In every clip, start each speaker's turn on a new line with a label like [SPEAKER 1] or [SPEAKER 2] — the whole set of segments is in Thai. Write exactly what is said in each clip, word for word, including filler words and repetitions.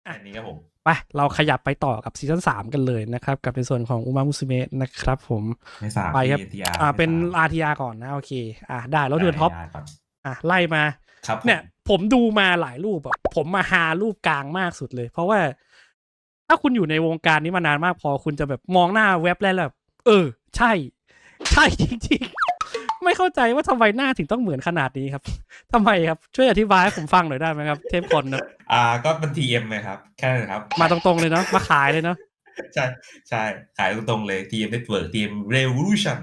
[SPEAKER 1] อันนี้ครับผม
[SPEAKER 2] ไปเราขยับไปต่อกับซีซั่นสามกันเลยนะครับกับในส่วนของอุมามุสเมะนะครับผม
[SPEAKER 1] ไม่สาม
[SPEAKER 2] ไปครับ
[SPEAKER 1] ที อาร์
[SPEAKER 2] อ่าเป็น
[SPEAKER 1] ไม่สาม
[SPEAKER 2] อาร์ ที อาร์ ก่อนนะโอเคอ่าได้แล้วเดือนท็อป
[SPEAKER 1] ได้ก่อน
[SPEAKER 2] อ่ะไล่มา
[SPEAKER 1] ครับผม
[SPEAKER 2] เนี่ย ผมดูมาหลายรูปอะผมมาหารูปกลางมากสุดเลย เพราะว่า ถ้าคุณอยู่ในวงการนี้มานานมากพอคุณจะแบบมองหน้าเว็บแล้วแบบเออ ใช่ ใช่จริงๆ ไม่เข้าใจว่าทำไมหน้าถึงต้องเหมือนขนาดนี้ครับทำไมครับช่วยอธิบายให้ผมฟังหน่อยได้ไหมครับ เทพคนนะ
[SPEAKER 1] อ่าก็เป็น ที เอ็ม เลยครับแค่นั้นครับ
[SPEAKER 2] มาตรงๆเลยเนาะมาขายเลยเนาะ
[SPEAKER 1] ใช่ใช่ขายตรงๆเลย ที เอ็ม Network ที เอ็ม Revolution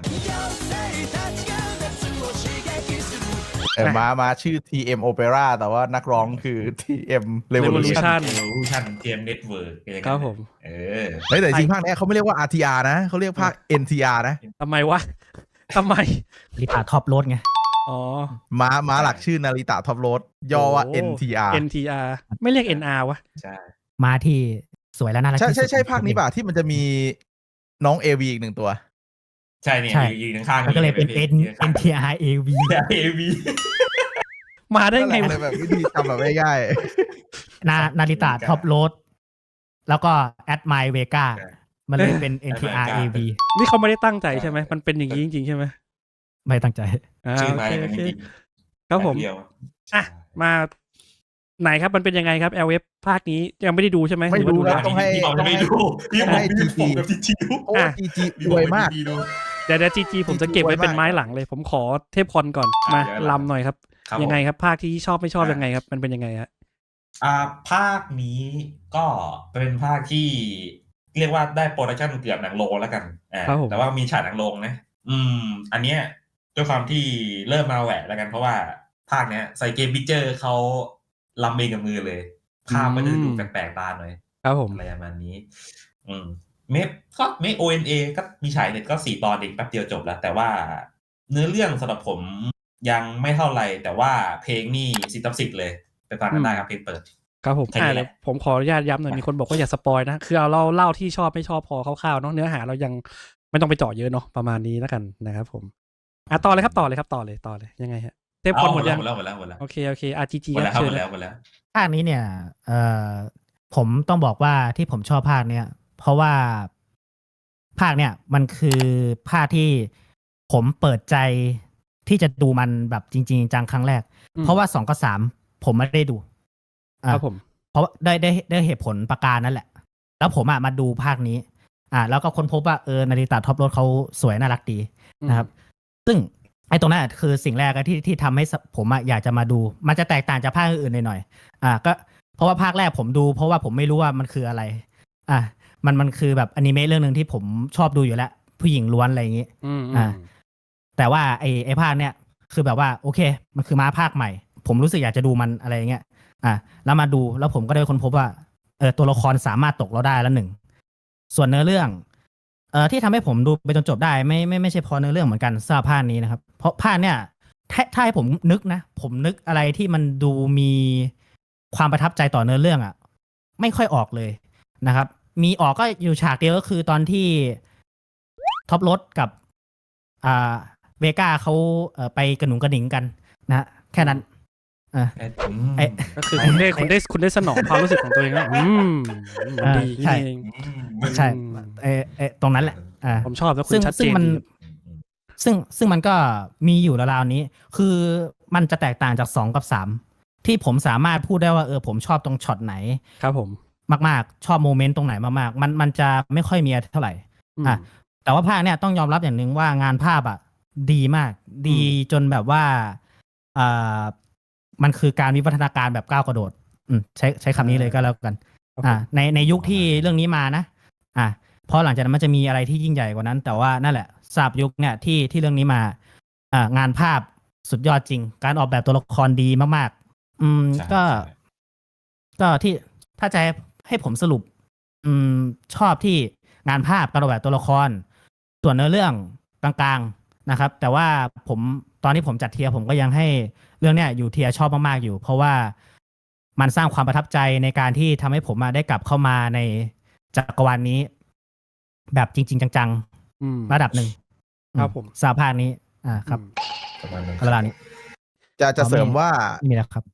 [SPEAKER 3] เออมามาชื่อ ที เอ็ม Opera แต่ว่านักร้องคือ ที เอ็ม Revolution
[SPEAKER 2] Revolution
[SPEAKER 1] Revolution ที เอ็ม Network อะไรกัน
[SPEAKER 2] ครับผม
[SPEAKER 1] เออ
[SPEAKER 3] เฮ้ยแต่จริงภาคนี้เขาไม่เรียกว่า อาร์ ที อาร์ นะเขาเรียกภาค เอ็น ที อาร์ นะ
[SPEAKER 2] ทำไมวะทำไม
[SPEAKER 4] ลิตาท็อปรถไง
[SPEAKER 2] อ๋อ
[SPEAKER 3] ม้าม้าหลักชื่อนาริตะท็อปโรดย่อว่า
[SPEAKER 2] โ
[SPEAKER 3] เอ็น ที อาร์
[SPEAKER 2] เอ็น ที อาร์ ไม่เรียก เอ็น อาร์ วะ
[SPEAKER 1] ใช่
[SPEAKER 4] มาที่สวยและน่ารัก
[SPEAKER 3] ใช่
[SPEAKER 4] ที่สุ
[SPEAKER 3] ใช่
[SPEAKER 4] ด
[SPEAKER 3] ใช่ภาคนี้ป่ะที่มันจะมีน้อง เอ วี อีกหนึ่งตัว
[SPEAKER 1] ใช่เนี่ย
[SPEAKER 4] ใช่
[SPEAKER 1] ยืนข้างๆ
[SPEAKER 4] มันก็เลยเป็น N
[SPEAKER 1] ยืข้าง
[SPEAKER 4] เอ็น ที อาร์ เอ วี
[SPEAKER 1] ๆ เอ วี
[SPEAKER 2] มาได้ไง
[SPEAKER 3] นั่น
[SPEAKER 2] วะ
[SPEAKER 3] แหละเลยแบบวิธีจำแบบง่าย
[SPEAKER 4] นานาริตะท็อปรถแล้วก็แอดไมเวกามันเลยเป็น เอ็น ที อาร์ เอ วี
[SPEAKER 2] นี่เขาไม่ได้ตั้งใจใช่ไหมมันเป็นอย่างนี้จริงๆใช่ไหม
[SPEAKER 4] ไม่ตั้งใจ
[SPEAKER 2] อ่า
[SPEAKER 1] ชื่อ
[SPEAKER 2] โอ
[SPEAKER 1] ไทย
[SPEAKER 2] เค
[SPEAKER 1] มั
[SPEAKER 2] โอนเค
[SPEAKER 1] จริง
[SPEAKER 2] ครับผม
[SPEAKER 1] แเดียว
[SPEAKER 2] อ่ะมาไหนครับมันเป็นยังไงครับ แอล เอฟ ภาคนี้ยังไม่ได้ดูใช่ไหม
[SPEAKER 3] ไม่
[SPEAKER 2] หรือว่า
[SPEAKER 3] ดู
[SPEAKER 2] แล้
[SPEAKER 3] แล้ว ว ต้องให้
[SPEAKER 1] พี่บอลไม่ดูพี่บอลไม่ดูผมกับทีทีดู
[SPEAKER 3] ๆ เพราะว่า จี จี รวยมาก
[SPEAKER 2] เดี๋ยวเดี๋ยวจีจีผมจะเก็บไว้
[SPEAKER 3] จริงๆ
[SPEAKER 2] เป็นไม้
[SPEAKER 3] ไว้มาก
[SPEAKER 2] หลังเลย ผมขอเทพคอนก่อนมาลำหน่อยครับ
[SPEAKER 1] ครับ
[SPEAKER 2] ยังไง
[SPEAKER 1] ผม
[SPEAKER 2] ครับ ภาคที่ชอบไม่ชอบยังไงครับ มันเป็นยังไงฮะ
[SPEAKER 1] อ่าภาคนี้ก็เป็นภาคที่เรียกว่าได้โปรดักชันเกือบหนังโรงแล้วกันอ่า
[SPEAKER 2] ครับผม
[SPEAKER 1] แต่ว่ามีฉากหนังโรงนะ อืม อันเนี้ยด้วยความที่เริ่มมาแหวะแล้วกันเพราะว่าภาคเนี้ยใส่เกมพิกเจอร์เขาลำเองกับมือเลยภาพก็จะดูแปลกๆตาหน่อย
[SPEAKER 2] ครับผม
[SPEAKER 1] อะไรประมาณนี้ อืมเมฟก็เมฟ โอ เอ็น เอ ก็มีฉายเน็ตก็สี่ตอนเองแป๊บเดียวจบแล้ว แต่ว่าเนื้อเรื่องสำหรับผมยังไม่เท่าไหร่แต่ว่าเพลงนี่สิบต่อสิบเลยไปฟังกันได้ครับเพลงเปิด
[SPEAKER 2] ครับผม
[SPEAKER 1] แค่นี้
[SPEAKER 2] อ่า
[SPEAKER 1] แหละ
[SPEAKER 2] เดี๋ยวผมขออนุญาตย้ำหน่อยมีคนบอกว่าอย่าสปอยนะ คือเอาเล่าเล่าที่ชอบไม่ชอบพอคร่าวๆเนาะเนื้อหาเรายังไม่ต้องไปเจาะเยอะเนาะประมาณนี้แล้วกันนะครับผมอ่ะต่อเลยครับต่อเลยครับต่อเลยต่อเลยยังไงฮะเทพคอนหมดยัง
[SPEAKER 1] หมดแล้วหมดแล้วหมดแล้ว
[SPEAKER 2] โอเคโอเคอาร์จีจี
[SPEAKER 1] หมด
[SPEAKER 2] ค
[SPEAKER 1] แล้
[SPEAKER 2] รั
[SPEAKER 1] ว
[SPEAKER 2] บ
[SPEAKER 1] หม
[SPEAKER 2] เชิญ
[SPEAKER 1] ด
[SPEAKER 2] นะ
[SPEAKER 1] แล้วหมดแล้ว
[SPEAKER 4] ภาคนี้เนี่ยเอ่อผมต้องบอกว่าที่ผมชอบภาคเนี้ยเพราะว่าภาคเนี่ยมันคือภาคที่ผมเปิดใจที่จะดูมันแบบจริงๆจังครั้งแรก
[SPEAKER 2] อืม
[SPEAKER 4] เพราะว่าสองกับสามผมไม่ได้ดูอ่ะ
[SPEAKER 2] ครับผม
[SPEAKER 4] เพราะว่าได้ได้ได้เหตุผลประการนั่นแหละ แล้วผมอ่ะมาดูภาคนี้ อ่า แล้วก็ค้นพบว่าเออนาริตะท็อปรถเขาสวยน่ารักดีนะครับ ซึ่งไอ้ตรงนั้นอะคือสิ่งแรกอะที่ที่ทำให้สผมอะอยากจะมาดู มันจะแตกต่างจากภาคอื่นๆหน่อยๆอ่าก็เพราะว่าภาคแรกผมดู เพราะว่าผมไม่รู้ว่ามันคืออะไร อ่ะมันมันคือแบบอนิเมะเรื่องหนึ่งที่ผมชอบดูอยู่แล้ว ผู้หญิงล้วนอะไรอย่างงี้
[SPEAKER 2] อืม
[SPEAKER 4] อ่า แต่ว่าไอ้ไอ้ภาคเนี้ยคือแบบว่าโอเค มันคือม้าภาคใหม่ ผมรู้สึกอยากจะดูมันอะไรอย่างเงี้ยอ่ะแล้วมาดูแล้วผมก็ได้ค้นพบว่าเออตัวละครสามารถตกเราได้แล้วหนึ่งส่วนเนื้อเรื่องเอ่อที่ทำให้ผมดูไปจนจบได้ไม่ไม่ไม่ใช่เพราะเนื้อเรื่องเหมือนกันสำหรับภาคนี้นะครับ เพราะภาคเนี้ยถ้าถ้าให้ผมนึกนะ ผมนึกอะไรที่มันดูมีความประทับใจต่อเนื้อเรื่องอ่ะ ไม่ค่อยออกเลยนะครับ มีออกก็อยู่ฉากเดียวก็คือตอนที่ท็อปรถกับอ่าเวก้าเขาเอ่อไปกระหนุงกระหนิงกันนะฮะแค่นั้นอ่า
[SPEAKER 1] อืม
[SPEAKER 4] ไอ้
[SPEAKER 2] ก็คือคุณได้คุณได้คุณได้สนองความรู้สึกของตัวเองแล้วอืมมันดี
[SPEAKER 4] ใช่
[SPEAKER 2] นี่เอง
[SPEAKER 1] อืม
[SPEAKER 4] ใช่เออเออตรงนั้นแหละอ่า
[SPEAKER 2] ผมชอบแล้วคุ
[SPEAKER 4] ซึ่
[SPEAKER 2] ณ
[SPEAKER 4] ง
[SPEAKER 2] ชัดเจ
[SPEAKER 4] ซึ่ง
[SPEAKER 2] น
[SPEAKER 4] มัน
[SPEAKER 2] ดี
[SPEAKER 4] ซึ่งซึ่งมันก็มีอยู่ราวๆนี้ คือมันจะแตกต่างจากสองกับสามที่ผมสามารถพูดได้ว่าเออผมชอบตรงช็อตไหน
[SPEAKER 2] ครับผม
[SPEAKER 4] มากๆ ชอบโมเมนต์ตรงไหนมากๆ มันมันจะไม่ค่อยมีเท่าไหร่
[SPEAKER 2] อืม
[SPEAKER 4] อ่ะแต่ว่าภาคเนี่ยต้องยอมรับอย่างหนึ่งว่างานภาพอ่ะดีมาก ดีจนแบบว่าอ่ามันคือการวิวัฒนาการแบบก้าวกระโดด อืมใช้ใช้คำนี้เลยก็แล้วกัน อ่าในในยุคที่เรื่องนี้มานะ อ่ะเพราะหลังจากนั้นมันจะมีอะไรที่ยิ่งใหญ่กว่านั้น แต่ว่านั่นแหละสาบยุคเนี่ยที่ที่เรื่องนี้มา อ่างานภาพสุดยอดจริง การออกแบบตัวละครดีมากๆ อืม
[SPEAKER 1] ใช่
[SPEAKER 4] ก็
[SPEAKER 1] ใช่
[SPEAKER 4] ก็ที่ถ้าจะให้ผมสรุป อืมชอบที่งานภาพการออกแบบตัวละคร ส่วนเนื้อเรื่องกลางๆนะครับ แต่ว่าผมตอนที่ผมจัดเทียร์ผมก็ยังให้เรื่องเนี้ยอยู่เทียร์ชอบมากๆอยู่ เพราะว่ามันสร้างความประทับใจในการที่ทำให้ผมมาได้กลับเข้ามาในจักรวาลนี้ แบบจริง ๆ จัง
[SPEAKER 2] อืม
[SPEAKER 4] ๆ ระดับหนึ่ง
[SPEAKER 2] ครับผม
[SPEAKER 4] สาภาคนี้ อ่าครับ
[SPEAKER 1] ประมาณนั้น
[SPEAKER 4] เวลานี้
[SPEAKER 3] จะจะเสริมว่า
[SPEAKER 4] นี่แหละครับ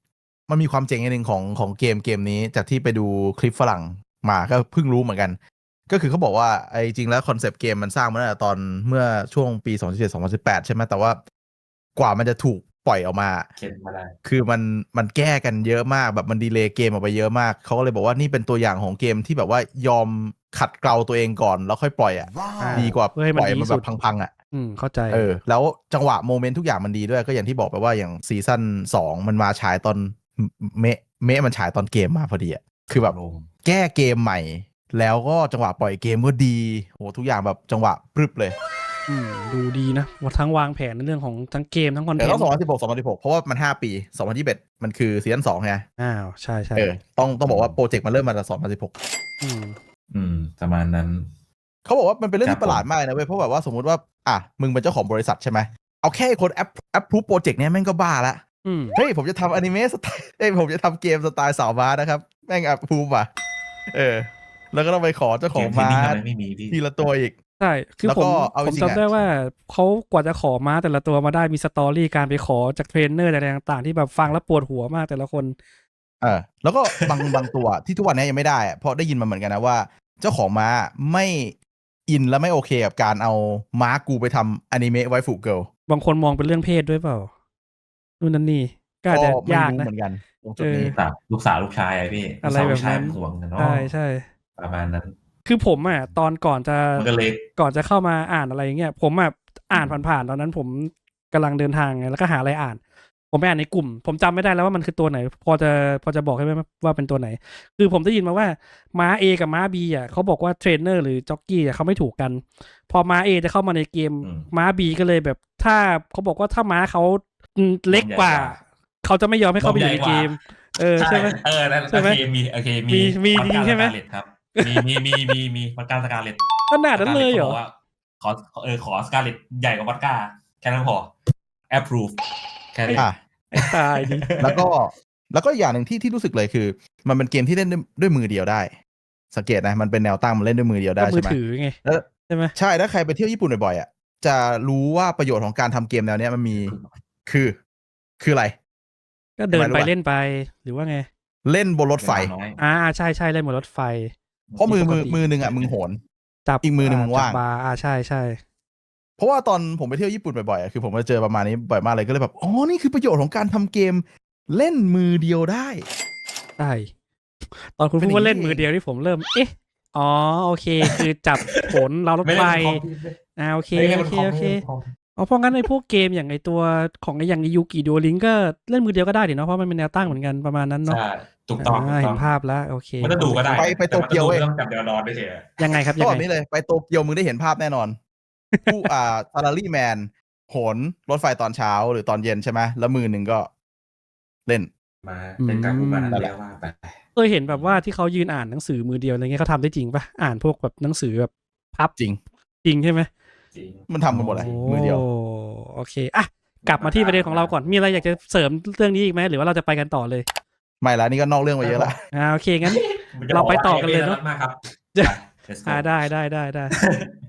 [SPEAKER 3] มันมีความเจ๋งอย่างหนึ่งของของเกมเกมนี้จากที่ไปดูคลิปฝรั่งมาก็เพิ่งรู้เหมือนกัน ก็คือเขาบอกว่าไอ้จริงแล้วคอนเซปต์เกมมันสร้างมาตั้งแต่ตอนเมื่อช่วงปีสองพันสิบเจ็ด สองพันสิบแปดใช่ไหมแต่ว่ากว่ามันจะถูกปล่อยออกมา
[SPEAKER 1] เข็นมาได้
[SPEAKER 3] คือมันมันแก้กันเยอะมากแบบมันดีเลย์เกมออกไปเยอะมากเขาก็เลยบอกว่านี่เป็นตัวอย่างของเกมที่แบบว่ายอมขัดเกลาตัวเองก่อนแล้วค่อยปล่อยอ่ะ
[SPEAKER 2] อ่า
[SPEAKER 3] ดีกว่า
[SPEAKER 2] เพื่อให้มัน
[SPEAKER 3] ปล่อย
[SPEAKER 2] ดี
[SPEAKER 3] มัน
[SPEAKER 2] สุ
[SPEAKER 3] แบ
[SPEAKER 2] ด
[SPEAKER 3] บพังๆอ่ะ
[SPEAKER 2] อืมเข้าใจ
[SPEAKER 3] เออแล้วจังหวะโมเมนต์ทุกอย่างมันดีด้วยก็อย่างที่บอกไปว่าอย่างซีซั่นสองมันมาฉายตอนเมะเมะมันฉายตอนเกมมาพอดีอ่ะคือแบบแก้เกมใหม่แล้วก็จังหวะปล่อยเกมก็ดีโหทุกอย่างแบบจังหวะปรึบเลย
[SPEAKER 2] อืมดูดีนะว่าทั้งวางแผนในเรื่องของทั้งเกมทั้งคอนเท
[SPEAKER 3] แต่
[SPEAKER 2] น
[SPEAKER 3] ต้อง
[SPEAKER 2] ต์
[SPEAKER 3] สองพันสิบหก สองพันสิบหกเพราะว่ามันห้าปีสองพันยี่สิบเอ็ดมันคือซีซั่นสองไง
[SPEAKER 2] อ้าวใช่ใช่
[SPEAKER 3] เออต้องต้องบอกว่าโปรเจกต์มันเริ่มมาจากสองพันสิบหก
[SPEAKER 2] อืม
[SPEAKER 1] อืมประมาณนั้น
[SPEAKER 3] เขาบอกว่ามันเป็นเรื่อง
[SPEAKER 1] ครับ
[SPEAKER 3] ที่ประหลาดมากนะเว้ยเพราะแบบว่าสมมติว่าอ่ะมึงเป็นเจ้าของบริษัทใช่ไหมเอาแค่คนแอปแอปพรูฟโปรเจกต์เนี้ยแม่งก็บ้าละ
[SPEAKER 2] อืม
[SPEAKER 3] เฮ้ยผมจะทำอนิเมะสไตล์เฮ้ยผมจะทำเกมสไตล์สาวม้านะครับแม่งแอปพรูฟอ่ะเออแล้วก็ต้องไปขอเจ้าของม้า
[SPEAKER 1] เกมเทรนนิ่งอะไรไม่มีพี่
[SPEAKER 3] ทีละตัวอีก
[SPEAKER 2] ใช่คือ
[SPEAKER 3] แล้ว
[SPEAKER 2] ผ
[SPEAKER 3] ก็
[SPEAKER 2] ม
[SPEAKER 3] เอา
[SPEAKER 2] ผม
[SPEAKER 3] จริงๆ
[SPEAKER 2] จำได้
[SPEAKER 3] อะ
[SPEAKER 2] ว่าเขากว่าจะขอม้าแต่ละตัวมาได้มีสตอรี่การไปขอจากเทรนเนอร์อะไรต่างๆที่แบบฟังแล้วปวดหัวมากแต่ละคน
[SPEAKER 3] เออแล้วก็บาง บางตัวที่ทุกวันนี้ยังไม่ได้อะเพราะได้ยินมาเหมือนกันนะว่า เจ้าของม้าไม่อินและไม่โอเคกับการเอาม้ากูไปทำอนิเมะไวฟูเกิล
[SPEAKER 2] บางคนมองเป็นเรื่องเพศด้วยเปล่านู่นนั่นนี่ก็อาจ
[SPEAKER 3] ก็
[SPEAKER 2] จะ
[SPEAKER 3] ไม่
[SPEAKER 2] ยาก
[SPEAKER 3] รู้
[SPEAKER 2] นะ
[SPEAKER 3] เหมือนกันตรงจุดนี้
[SPEAKER 2] เออ
[SPEAKER 1] ลูกสาวลูกชายอะพี่
[SPEAKER 2] อะไร
[SPEAKER 1] ลูกสาว
[SPEAKER 2] แบบนั้น
[SPEAKER 1] ลูกชายมันห่วงกันเนาะ
[SPEAKER 2] ใช่ใช่
[SPEAKER 1] ประมาณนั้น
[SPEAKER 2] คือผมอ่ะตอนก่อนจะ
[SPEAKER 1] มันก็เลย
[SPEAKER 2] ก่อนจะเข้ามาอ่านอะไรอย่างเงี้ยผมอ่ะอ่านผ่านๆตอนนั้นผมกำลังเดินทางไงแล้วก็หาอะไรอ่าน ผมไปอ่านในกลุ่ม ผมจำไม่ได้แล้วว่ามันคือตัวไหน พอจะพอจะบอกให้ไหมว่าเป็นตัวไหน คือผมได้ยินมาว่าม้า A กับม้า B อ่ะเขาบอกว่าเทรนเนอร์หรือจ็อกกี้อ่ะเขาไม่ถูกกัน พอม้า A จะเข้ามาในเกม
[SPEAKER 1] อืม
[SPEAKER 2] ม้า B ก็เลยแบบถ้าเขาบอกว่าถ้าม้าเขาอืมเล็กกว่า
[SPEAKER 1] ใหญ่กว่า
[SPEAKER 2] เขาจะไม่ยอมให้เข้าไปอยู่ในเกม เออใช่ไหม
[SPEAKER 1] เออนั่น
[SPEAKER 2] ใช่ไหม
[SPEAKER 1] โอเคมีโอเคมี
[SPEAKER 2] มีมี
[SPEAKER 1] พอดกา
[SPEAKER 2] จริงใช่ไหม
[SPEAKER 1] สกาเลตครับ มีมีมีมีมีพอดการสกาเลต
[SPEAKER 2] ขนาดนั้นเลยเหรอ
[SPEAKER 1] ว่าขอเออขอสกาเลตใหญ่กว่าพอดกาแค่นั้นพอ approve แค่นี้
[SPEAKER 3] อ่ะ
[SPEAKER 2] ไอ้ตายดิ
[SPEAKER 3] แล้วก็แล้วก็อย่างหนึ่งที่ที่รู้สึกเลยคือ มันเป็นเกมที่เล่นด้วยด้วยมือเดียวได้ สังเกตนะมันเป็นแนวตั้งมันเล่นด้วยมือเดียวได้
[SPEAKER 2] ก็มื
[SPEAKER 3] ใช่
[SPEAKER 2] อ
[SPEAKER 3] ไหม
[SPEAKER 2] ถือไง
[SPEAKER 3] แล้ว
[SPEAKER 2] ใช่ไหม
[SPEAKER 3] ใช่ถ้าใครไปเที่ยวญี่ปุ่นบ่อยๆอ่ะจะรู้ว่าประโยชน์ของการทำเกมแนวเนี้ยมันมีคือคืออะไร
[SPEAKER 2] ก็เดิน
[SPEAKER 3] ทำไมรู้
[SPEAKER 2] ไป
[SPEAKER 3] ปะ
[SPEAKER 2] เล่นไปหรือว่าไง
[SPEAKER 3] เล่นบนรถไฟ
[SPEAKER 1] เวลาน้อย
[SPEAKER 2] อ่าใช่ใช่เล่นบนรถไฟ
[SPEAKER 3] เพราะมือมือ
[SPEAKER 2] ปกติ
[SPEAKER 3] มือหนึ่งอ่ะมึงโหน
[SPEAKER 2] จับ
[SPEAKER 3] อีกมือหนึ่งมึงว่าง
[SPEAKER 2] จับบาร์อ่าใช่ใช่
[SPEAKER 3] เพราะว่าตอนผมไปเที่ยวญี่ปุ่นบ่อยๆอะคือผมจะเจอประมาณนี้บ่อยมากเลยก็เลยแบบอ๋อนี่คือประโยชน์ของการทำเกมเล่นมือเดียวได้
[SPEAKER 2] ใช่ตอนคุณ
[SPEAKER 3] เป็น
[SPEAKER 2] พูดว่า
[SPEAKER 3] อย่างนี้
[SPEAKER 2] เล่นมือเดียวที่ผมเริ่ม เอ๊ะอ๋อโอเค คือจับผลเรารถ
[SPEAKER 1] ไม่
[SPEAKER 2] ไฟ
[SPEAKER 1] เล่นบนคอมพี่
[SPEAKER 2] อ่าโอเค
[SPEAKER 1] ไม่เล่น
[SPEAKER 2] โอบ
[SPEAKER 1] น
[SPEAKER 2] เค
[SPEAKER 1] คอม
[SPEAKER 2] โอเค
[SPEAKER 1] ไม่เล่นบนคอม
[SPEAKER 2] อ๋อเพราะงั้นไอ้พวกเกมอย่างไอ้ตัวของไอ้อย่างยูกิดูลิงก็เล่นมือเดียวก็ได้ดิเนาะเพราะมันเป็นแนวตั้งเหมือนกันประมาณนั้นเนาะ
[SPEAKER 1] ใช่ถูกต้องถูก
[SPEAKER 2] อ่า
[SPEAKER 1] ต้
[SPEAKER 2] เห็
[SPEAKER 1] อง
[SPEAKER 2] นภาพแล้วโอเค
[SPEAKER 1] ไม่ต้องดูก็ได้
[SPEAKER 3] ไปไปโตเกียวเว้ย
[SPEAKER 1] แต่มันต้องดูเรื่องจับเดลนอนด้วยเฉย
[SPEAKER 2] ยังไงครับ
[SPEAKER 3] ก็
[SPEAKER 2] ยัง
[SPEAKER 3] แบบ
[SPEAKER 2] ไง
[SPEAKER 3] นี้เลยไปโตเกียวมึงได้เห็นภาพแน่นอน ผู้อ่าซาลารีแมนโหนรถไฟตอนเช้าหรือตอนเย็นใช่ไหมแล้วมือหนึ่งก็เล่น
[SPEAKER 1] มาเป็นการพูดมา
[SPEAKER 3] นั่นแห
[SPEAKER 1] เรี
[SPEAKER 3] ละ
[SPEAKER 1] ยกว่าไป
[SPEAKER 2] เคยเห็นแบบว่าที่เขายืนอ่านหนังสือมือเดียวอะไรเงี้ยเขาทำได้จริงปะอ่านพวกแบบหนังสือแบบพับ
[SPEAKER 3] จริง
[SPEAKER 2] จริงใช่ไหม
[SPEAKER 1] จริง
[SPEAKER 3] มันทำกันหมดเลยมือเดียว
[SPEAKER 2] โโอเคอ่ะกลับมาที่ประเด็นของเราก่อนมีอะไรอยากจะเสริมเรื่องนี้อีกไหมหรือว่าเราจะไปกันต่อเลย
[SPEAKER 3] ไม่ละนี่ก็นอกเรื่องไปเยอะละ
[SPEAKER 2] อ่าโอเคงั้น เราไปต่อกันเลยเนอะ
[SPEAKER 1] มากครับ
[SPEAKER 2] จะ
[SPEAKER 1] Let's go
[SPEAKER 2] อ่าได้ได้ได้ได้